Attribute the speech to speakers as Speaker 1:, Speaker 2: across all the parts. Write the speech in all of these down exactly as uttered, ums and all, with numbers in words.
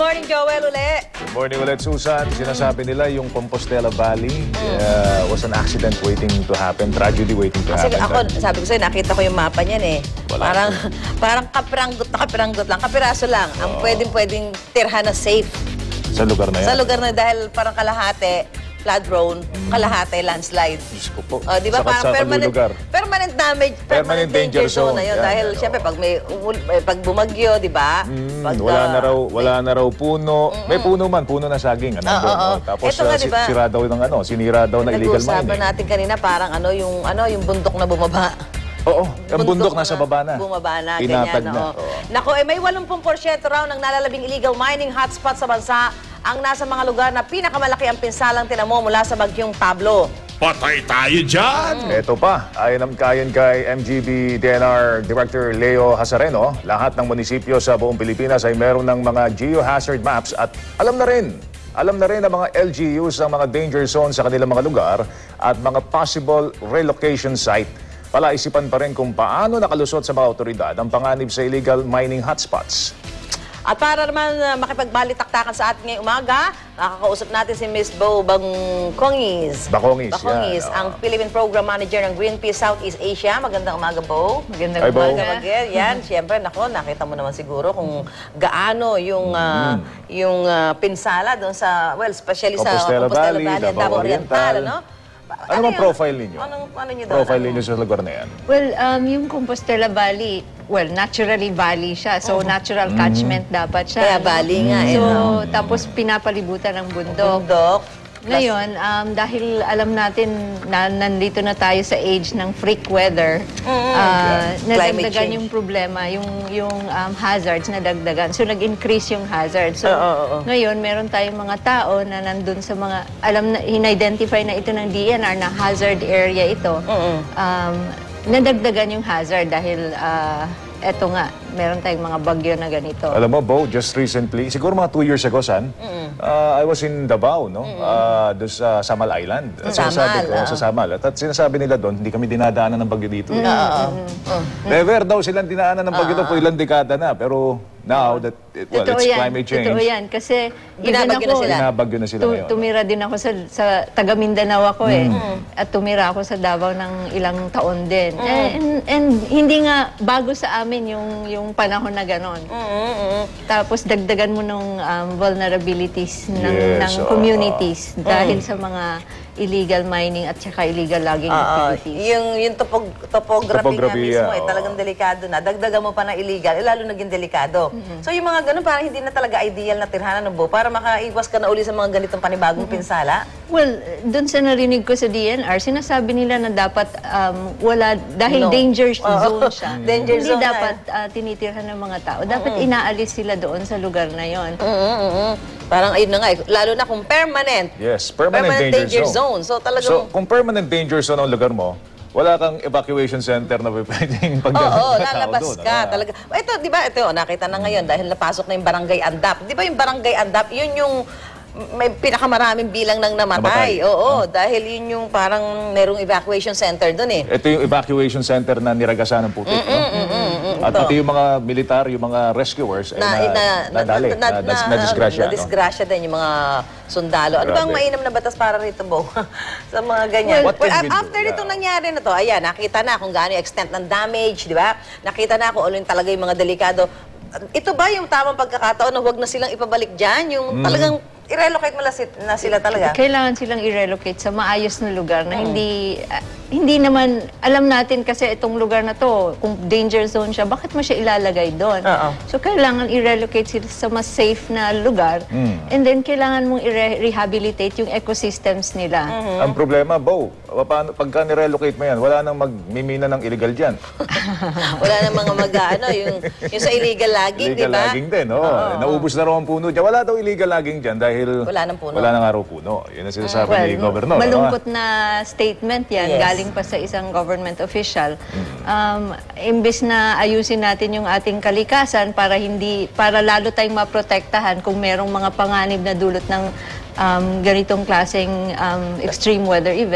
Speaker 1: morning, Joel, uli.
Speaker 2: Good morning ulit, Susan. Sinasabi nila yung Compostela Valley uh, was an accident waiting to happen, tragedy waiting to
Speaker 1: Kasi
Speaker 2: happen.
Speaker 1: ako, sabi ko sa'yo, nakita ko yung mapa niyan eh.
Speaker 2: Wala
Speaker 1: Parang, parang kapiranggot na kapiranggot lang, kapiraso lang. Ang pwedeng-pwedeng tirhan na safe.
Speaker 2: Sa lugar na yan?
Speaker 1: Sa lugar na dahil parang kalahati, flood prone, kalahati, landslide.
Speaker 2: Diyos ko po.
Speaker 1: Uh, di ba parang
Speaker 2: Sakat-sakal
Speaker 1: permanent,
Speaker 2: lugar.
Speaker 1: permanent damage, permanent,
Speaker 2: Permanent
Speaker 1: danger,
Speaker 2: danger
Speaker 1: zone
Speaker 2: zone.
Speaker 1: na yun.
Speaker 2: Yan,
Speaker 1: Dahil
Speaker 2: yan,
Speaker 1: siyempre
Speaker 2: oh.
Speaker 1: pag may umul- eh, pag bumagyo, di ba?
Speaker 2: Mm,
Speaker 1: Pag,
Speaker 2: wala na
Speaker 1: ah,
Speaker 2: raw, wala na raw puno. May puno man, puno na saging. Ano,
Speaker 1: Oo,
Speaker 2: doon,
Speaker 1: oo.
Speaker 2: oh. Tapos
Speaker 1: Ito nga,
Speaker 2: uh, si-
Speaker 1: diba?
Speaker 2: sira daw ng ano, sinira daw na illegal
Speaker 1: Nag-uusapan
Speaker 2: mining.
Speaker 1: natin kanina parang ano yung ano yung bundok na bumaba.
Speaker 2: Oo, ang bundok nasa baba na.
Speaker 1: Bumaba na,
Speaker 2: Tinatag
Speaker 1: ganyan.
Speaker 2: na.
Speaker 1: Oo.
Speaker 2: Oo.
Speaker 1: Naku, eh, may eighty percent raw ng nalalabing illegal mining hotspot sa bansa ang nasa mga lugar na pinakamalaki ang pinsalang tinamo mula sa bagyong Pablo.
Speaker 3: Patay tayo dyan!
Speaker 2: Ito pa, ayon ang kayan kay M G B D N R Director Leo Hasareno, lahat ng munisipyo sa buong Pilipinas ay meron ng mga geohazard maps at alam na rin, alam na rin ang mga L G Us ang mga danger zones sa kanilang mga lugar at mga possible relocation site. Palaisipan pa rin kung paano nakalusot sa mga otoridad ang panganib sa illegal mining hotspots.
Speaker 1: At para naman uh, makipagbalitaktakan sa atin ngayong umaga, makakausap natin si Miss Bo Bangkongis.
Speaker 2: Bakongis,
Speaker 1: Bakongis,
Speaker 2: yan,
Speaker 1: ang
Speaker 2: oo.
Speaker 1: Philippine Program Manager ng Greenpeace Southeast Asia. Magandang umaga, Bo.
Speaker 4: Magandang
Speaker 2: Hi, Bo.
Speaker 1: umaga, Magel. Yan, siyempre, nako, nakita mo naman siguro kung gaano yung uh, yung uh, pinsala doon sa, well, especially sa
Speaker 2: Compostela Valley,
Speaker 1: and
Speaker 2: Davao
Speaker 1: Davao Oriental,
Speaker 2: Oriental.
Speaker 1: ano?
Speaker 2: Ano bang
Speaker 1: yung-
Speaker 2: profile ninyo?
Speaker 1: Anong, ano nyo doon?
Speaker 2: Profile
Speaker 1: Ano?
Speaker 2: ninyo sa lugar na yan?
Speaker 4: Well, um, yung Compostela Valley, well, naturally valley siya. So, natural catchment dapat siya.
Speaker 1: Kaya
Speaker 4: ano?
Speaker 1: valley nga, eh,
Speaker 4: So,
Speaker 1: no?
Speaker 4: tapos pinapalibutan ng bundok.
Speaker 1: Bundok.
Speaker 4: Ngayon, um, dahil alam natin na nandito na tayo sa age ng freak weather, ah,
Speaker 1: Climate
Speaker 4: nadagdagan
Speaker 1: change.
Speaker 4: yung problema, yung, yung um, hazards nadagdagan. So, nag-increase yung hazards. So,
Speaker 1: Oo, oo, oo.
Speaker 4: ngayon, meron tayong mga tao na nandun sa mga, alam na, in-identify na ito ng D N R na hazard area ito. Um, nadagdagan yung hazard dahil, ah, eto nga, meron tayong mga bagyo na ganito.
Speaker 2: Alam mo, Bo, just recently, siguro mga two years ago, San, uh, I was in Davao, no? Uh, doon sa Samal Island. At sinasabi
Speaker 1: Samal,
Speaker 2: ko,
Speaker 1: oo.
Speaker 2: sa Samal. At, at sinasabi nila doon, hindi kami dinadaanan ng bagyo dito.
Speaker 1: Oo.
Speaker 2: Never daw silang dinaanan ng bagyo doon po ilang dekada na. Pero now, that it, well,
Speaker 4: Totoo
Speaker 2: it's
Speaker 4: yan.
Speaker 2: climate change.
Speaker 4: Totoo yan. Kasi even
Speaker 1: Binabagyo na
Speaker 4: ako,
Speaker 1: sila.
Speaker 2: Binabagyo na sila
Speaker 4: tu-
Speaker 2: ngayon.
Speaker 4: tumira din ako sa, sa taga Mindanao ako eh. At tumira ako sa Davao ng ilang taon din. And, and hindi nga bago sa amin yung, yung panahon na ganon. Tapos dagdagan mo nung um, vulnerabilities ng,
Speaker 2: Yes,
Speaker 4: ng
Speaker 2: oo.
Speaker 4: communities dahil sa mga illegal mining at saka illegal logging
Speaker 1: Oo.
Speaker 4: activities.
Speaker 1: Yung, yung topog, topography,
Speaker 2: Topography,
Speaker 1: nga mismo, eh,
Speaker 2: oo.
Speaker 1: talagang delikado na. Dagdagan mo pa ng illegal, eh, lalo naging delikado. So yung mga ganun, parang hindi na talaga ideal na tirhanan ng Bo para makaiwas ka na uli sa mga ganitong panibagong pinsala.
Speaker 4: Well, doon sa narinig ko sa D N R, sinasabi nila na dapat um, wala, dahil
Speaker 1: No.
Speaker 4: danger
Speaker 1: Oo.
Speaker 4: zone siya,
Speaker 1: Danger
Speaker 4: hindi
Speaker 1: zone na
Speaker 4: dapat uh, tinitirhan ng mga tao. Dapat inaalis sila doon sa lugar na yon.
Speaker 1: Parang ayun na nga, eh, lalo na kung permanent.
Speaker 2: Yes, permanent, danger, zone.
Speaker 1: So talagang...
Speaker 2: So, kung permanent danger zone ang lugar mo, wala kang evacuation center na pwedeng
Speaker 1: Oo,
Speaker 2: pagdala
Speaker 1: oh,
Speaker 2: ng tao
Speaker 1: lalabas
Speaker 2: doon.
Speaker 1: ka.
Speaker 2: Ano?
Speaker 1: Talaga. Ito, di ba, ito, oh, nakita na ngayon dahil napasok na yung barangay Andap. Di ba yung barangay Andap, yun yung may pinakamaraming bilang ng namatay.
Speaker 2: Namatay.
Speaker 1: Oo, dahil yun yung parang merong evacuation center doon eh.
Speaker 2: Ito yung evacuation center na niragasan ng putik. no? At
Speaker 1: ito.
Speaker 2: pati yung mga militar, yung mga rescuers, eh,
Speaker 1: Na,
Speaker 2: na,
Speaker 1: na,
Speaker 2: nadali, na, na, na, disgrasya.
Speaker 1: na disgrasya din yung mga sundalo. Ano ba ang
Speaker 2: Grabe.
Speaker 1: mainam na batas para rito, Bo? Sa mga ganyan.
Speaker 2: Well, what can
Speaker 1: Well,
Speaker 2: we do?
Speaker 1: after
Speaker 2: Yeah.
Speaker 1: itong nangyari na to, ayan, nakita na kung gaano yung extent ng damage, di ba? Nakita na kung ano yung talaga yung mga delikado. Ito ba yung tamang pagkakataon na huwag na silang ipabalik dyan? Yung
Speaker 2: Mm.
Speaker 1: talagang i-relocate mo na si- na sila talaga?
Speaker 4: Kailangan silang i-relocate sa maayos na lugar na hindi ah, hindi naman alam natin kasi itong lugar na to kung danger zone siya, bakit mo siya ilalagay doon?
Speaker 1: Oo.
Speaker 4: So kailangan i-relocate sila sa mas safe na lugar and then kailangan mong i-rehabilitate yung ecosystems nila.
Speaker 2: Ang problema, Bo, paano, pagka nirelocate mo yan, wala nang magmimina ng illegal dyan.
Speaker 1: Wala na mga mag ano, yung, yung sa illegal logging, di
Speaker 2: Illegal
Speaker 1: ba?
Speaker 2: logging din, oh. Naubos na raw ang puno dyan. Wala daw illegal logging dyan dahil
Speaker 1: Wala nang puno.
Speaker 2: wala nang araw puno. Yun ang sinasabi
Speaker 4: Well,
Speaker 2: ni Governor.
Speaker 4: malungkot na statement yan,
Speaker 1: Yes.
Speaker 4: galing pa sa isang government official. Um, imbes na ayusin natin yung ating kalikasan para hindi para lalo tayong maprotektahan kung merong mga panganib na dulot ng um, ganitong klaseng um, extreme weather events.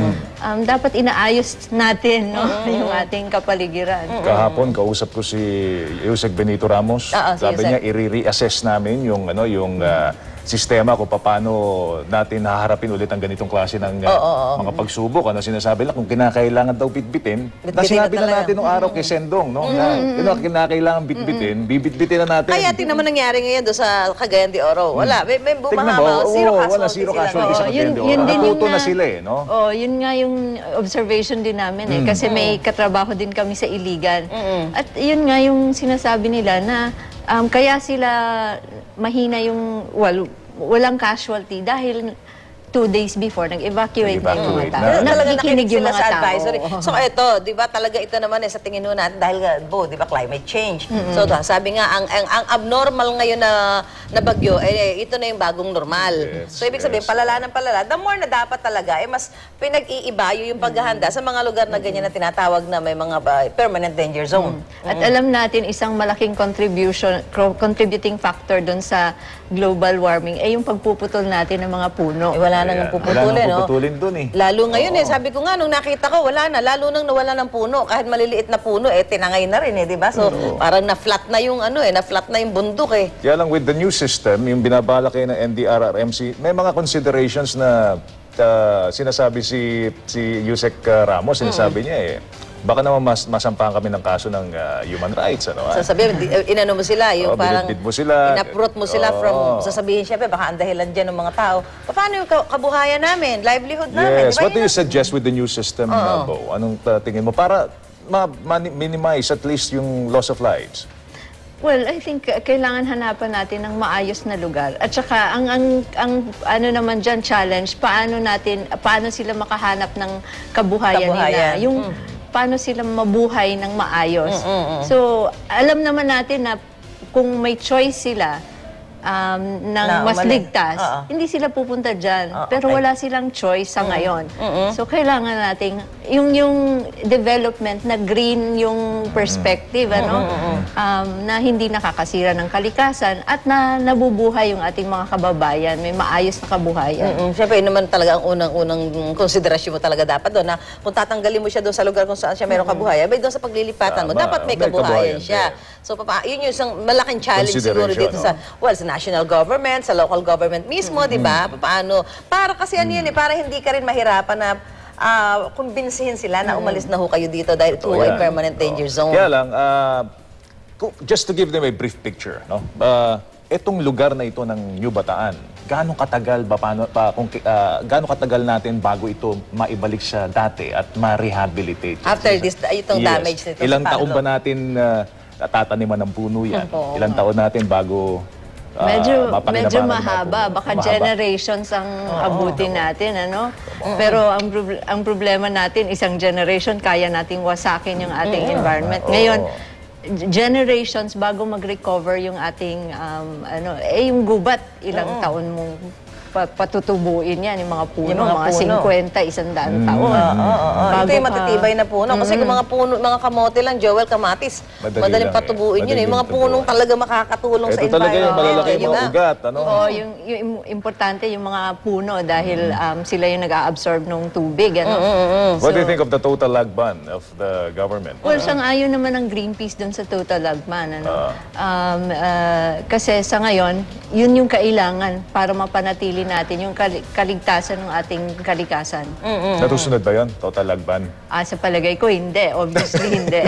Speaker 4: um, dapat inaayos natin no, yung ating kapaligiran.
Speaker 2: Kahapon kausap ko si Yusek Benito Ramos.
Speaker 1: Oo, si
Speaker 2: Sabi
Speaker 1: Yusek.
Speaker 2: niya i-reassess namin yung ano yung ah, sistema kung paano natin haharapin ulit ang ganitong klase ng ah, mga pagsubok. Ano sinasabi lang kung kinakailangan daw bitbitin. Na
Speaker 1: Bitbitin
Speaker 2: sinabi
Speaker 1: na
Speaker 2: na
Speaker 1: talaga.
Speaker 2: natin nung araw kay Sendong, no? Na yun ang kinakailangan bitbitin, bibitbitin na natin.
Speaker 1: Kaya tingnan mo nangyari ngayon doon sa Cagayan de Oro. Wala, may, may
Speaker 2: Tingnan mo,
Speaker 1: bumahama. Zero
Speaker 2: oo,
Speaker 1: casualty
Speaker 2: wala zero
Speaker 1: sila.
Speaker 2: casualty sa
Speaker 4: Oo, yun-
Speaker 2: Cagayan de
Speaker 4: yun
Speaker 2: Oro.
Speaker 4: din yung
Speaker 2: Natuto na
Speaker 4: na-
Speaker 2: sila eh, no?
Speaker 4: Oh, yun nga yung observation din namin eh. Kasi may katrabaho din kami sa Iligan. At yun nga yung sinasabi nila na um, kaya sila mahina yung, well, walang casualty dahil two days before, nag-evacuate na yung mga
Speaker 2: Nag-evacuate
Speaker 4: tao.
Speaker 2: na.
Speaker 1: Talaga
Speaker 4: Nakikinig yung
Speaker 1: sila
Speaker 4: mga
Speaker 1: sa
Speaker 4: tao.
Speaker 1: advisory. So ito, 'di ba talaga ito naman eh sa tingin ho natin dahil nga, Bo, 'di ba climate change. So da- sabi nga ang, ang ang abnormal ngayon na na bagyo eh ito na yung bagong normal.
Speaker 2: Yes,
Speaker 1: So ibig sabihin
Speaker 2: yes.
Speaker 1: palala ng palala, the more na dapat talaga eh mas pinag-iibayo yung paghahanda sa mga lugar na ganyan na tinatawag na may mga uh, permanent danger zone.
Speaker 4: At alam natin, isang malaking contribution, cro- contributing factor doon sa global warming ay yung pagpuputol natin ng mga puno.
Speaker 1: Eh, wala nang
Speaker 2: Ayan.
Speaker 1: puputulin,
Speaker 2: Wala nang
Speaker 1: no?
Speaker 2: puputulin dun eh.
Speaker 1: Lalo ngayon eh, sabi ko nga, nung nakita ko, wala na. Lalo nang nawala ng puno. Kahit maliliit na puno, eh, tinangay na rin eh, di ba? So, parang na-flat na yung ano eh, na-flat na yung bundok eh.
Speaker 2: Kaya lang with the new system, yung binabalak kayo ng N D R R M C, may mga considerations na uh, sinasabi si si Yusek uh, Ramos, sinasabi niya eh, baka naman mas masampahan kami ng kaso ng uh, human rights. Ano, ah?
Speaker 1: Sasabihin, di- eh, inano mo sila, yung
Speaker 2: Oo,
Speaker 1: parang
Speaker 2: binitbit mo sila.
Speaker 1: inaprot mo sila
Speaker 2: Oo.
Speaker 1: from, sasabihin siya, baka ang dahilan dyan ng mga tao. Paano yung ka- kabuhayan namin, livelihood namin?
Speaker 2: Yes,
Speaker 1: di ba?
Speaker 2: what do
Speaker 1: Yun
Speaker 2: you suggest with the new system, uh, Bo? Anong uh, tingin mo? Para ma-minimize at least yung loss of lives.
Speaker 4: Well, I think uh, kailangan hanapan natin ng maayos na lugar. At saka ang ang ang ano naman diyan challenge, paano natin paano sila makahanap ng kabuhayan,
Speaker 1: Kabuhayan.
Speaker 4: nila. Yung paano sila mabuhay ng maayos. So, alam naman natin na kung may choice sila um, ng
Speaker 1: Na
Speaker 4: mas
Speaker 1: umalis.
Speaker 4: ligtas,
Speaker 1: Oo.
Speaker 4: hindi sila pupunta dyan.
Speaker 1: Ah,
Speaker 4: Pero
Speaker 1: okay.
Speaker 4: wala silang choice sa ngayon. So, kailangan nating yung yung development na green yung perspective, ano, um, na hindi nakakasira ng kalikasan at na nabubuhay yung ating mga kababayan, may maayos na kabuhayan.
Speaker 1: Mm, Siyempre, yun naman talaga ang unang-unang konsiderasyon mo talaga dapat doon na kung tatanggalin mo siya doon sa lugar kung saan siya mayroong kabuhayan, may doon sa paglilipatan mo,
Speaker 2: Tama.
Speaker 1: dapat may
Speaker 2: May
Speaker 1: kabuhayan
Speaker 2: kabuhayan
Speaker 1: siya.
Speaker 2: din.
Speaker 1: So, papa, yun yung isang malaking challenge siguro dito sa, well, sa national government, sa local government mismo, di ba? Paano? Para kasi ano yun eh, para hindi ka rin mahirapan na ah, kumbinsihin sila na umalis na ho kayo dito dahil ito
Speaker 2: Oo,
Speaker 1: ay
Speaker 2: yan.
Speaker 1: permanent danger zone.
Speaker 2: Kaya lang, ah, kung- just to give them a brief picture, no? Ah, etong lugar na ito ng New Bataan, gaano katagal ba paano pa kung ah, gaano katagal natin bago ito maibalik sa dati at ma-rehabilitate?
Speaker 1: After this, itong damage nito sa
Speaker 2: Ilang taon
Speaker 1: Palo.
Speaker 2: ba natin uh, tataniman ng puno yan?
Speaker 1: Oo.
Speaker 2: Ilang taon natin bago ah,
Speaker 4: Medyo
Speaker 2: mapakinabangan
Speaker 4: medyo
Speaker 2: ng mga
Speaker 4: mahaba,
Speaker 2: puno?
Speaker 4: baka
Speaker 2: Mahaba.
Speaker 4: generations ang abutin natin, ano? Pero ang prob- ang problema natin, isang generation kaya nating wasakin yung ating environment. Ngayon, g- generations bago mag-recover yung ating um, ano, eh yung gubat, ilang taon mong pa- patutubuin yan, yung mga puno,
Speaker 1: Yung mga
Speaker 4: mga,
Speaker 1: puno.
Speaker 4: fifty, isang daang taon.
Speaker 1: Oo, oo, oo. Ito
Speaker 4: Bago
Speaker 1: yung
Speaker 4: ka-
Speaker 1: matitibay na puno. Kasi kung mga puno, mga kamote lang, Joel, kamatis,
Speaker 2: Madali
Speaker 1: madaling
Speaker 2: lang eh.
Speaker 1: patubuin yun. eh. Yung mga
Speaker 2: Madaling
Speaker 1: punong
Speaker 2: tubuan.
Speaker 1: talaga makakatulong sa
Speaker 2: Ito talaga yung
Speaker 1: environment.
Speaker 2: malalaki
Speaker 1: eh,
Speaker 2: yung
Speaker 1: di
Speaker 2: mga
Speaker 1: ba?
Speaker 2: ugat, ano?
Speaker 4: Oo, yung, yung im- importante yung mga puno dahil um, sila yung nag-a-absorb ng tubig. Ano?
Speaker 2: What do you think of the total lag ban of the government?
Speaker 4: Well, sang-ayon naman ng Greenpeace dun sa total lagman. Ano? um, uh, kasi sa ngayon, yun yung kailangan para mapanatili natin yung kali- kaligtasan ng ating kalikasan.
Speaker 2: Natusunod ba yun? Total lag ban?
Speaker 4: Ah, sa palagay ko, hindi. Obviously, hindi.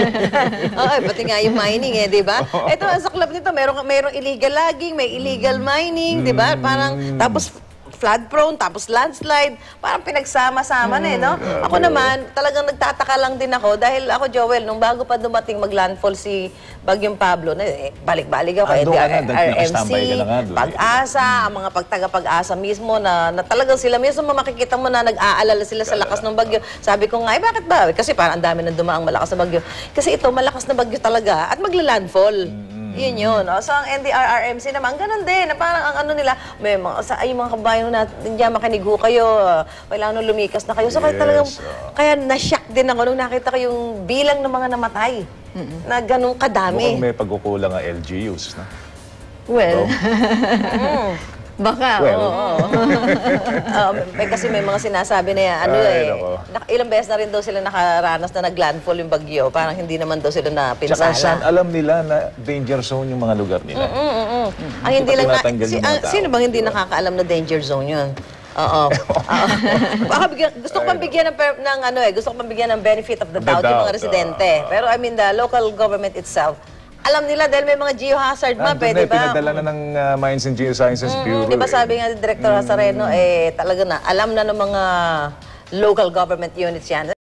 Speaker 1: Oo, pati nga yung mining eh, di ba? Ito, sa club nito, merong, merong illegal logging, may illegal mining, di ba? Parang, tapos flood prone, tapos landslide, parang pinagsama-sama na eh, no? Ako naman, talagang nagtataka lang din ako dahil ako, Joel, nung bago pa dumating mag-landfall si Bagyong Pablo, na, eh, balik-balik ako,
Speaker 2: Ah,
Speaker 1: eh,
Speaker 2: doon ka na,
Speaker 1: R M C,
Speaker 2: nakastambay ka na nga doon eh.
Speaker 1: Pag-asa, ang mga pagtaga-pag-asa mismo na, na talagang sila mismo makikita mo na nag-aalala sila sa lakas ng bagyo. Sabi ko nga, eh, bakit ba? Kasi parang ang dami nang dumaang malakas na bagyo. Kasi ito, malakas na bagyo talaga at magla-landfall. Yun yun. O, so, ang N D R R M C naman, ganun din. Na parang ang ano nila, may mga, sa, ay, mga kabayan natin dyan, makinig ho kayo. uh, Kailangan nung lumikas na kayo. So, kaya
Speaker 2: Yes,
Speaker 1: talagang,
Speaker 2: oh.
Speaker 1: kaya na-shock din ako nung nakita ko yung bilang ng mga namatay. Na ganun kadami.
Speaker 2: Mukhang may pagkukulang ang L G Us, no?
Speaker 4: Well, Baka,
Speaker 2: Well.
Speaker 4: oo.
Speaker 1: Um, eh, kasi may mga sinasabi na yan, ano
Speaker 2: Ay,
Speaker 1: eh,
Speaker 2: nako.
Speaker 1: nak- ilang beses na rin daw sila nakaranas na nag-landfall yung bagyo. Parang hindi naman daw sila na
Speaker 2: Tsaka saan
Speaker 1: pinsala.
Speaker 2: alam nila na danger zone yung mga lugar nila.
Speaker 1: Mm, mm, mm. Ang hindi
Speaker 2: pa
Speaker 1: lang na,
Speaker 2: tinatanggal
Speaker 1: si,
Speaker 2: yung mga
Speaker 1: ang-
Speaker 2: tao.
Speaker 1: sino bang hindi
Speaker 2: Diba?
Speaker 1: nakakaalam na danger zone yun? Oo. Oo. Baka bigyan, gusto ko pang bigyan ng, per- ng ano eh, gusto ko pang bigyan ng benefit of the
Speaker 2: The
Speaker 1: doubt yung mga
Speaker 2: doubt,
Speaker 1: residente. Pero I mean, the local government itself, alam nila dahil may mga geohazard map
Speaker 2: Nandun
Speaker 1: eh,
Speaker 2: na,
Speaker 1: di ba?
Speaker 2: pinadala na ng uh, Mines and Geosciences Bureau.
Speaker 1: Di ba
Speaker 2: eh.
Speaker 1: sabi nga ni Director Hasareno, eh, talaga na, alam na ng mga local government units yan.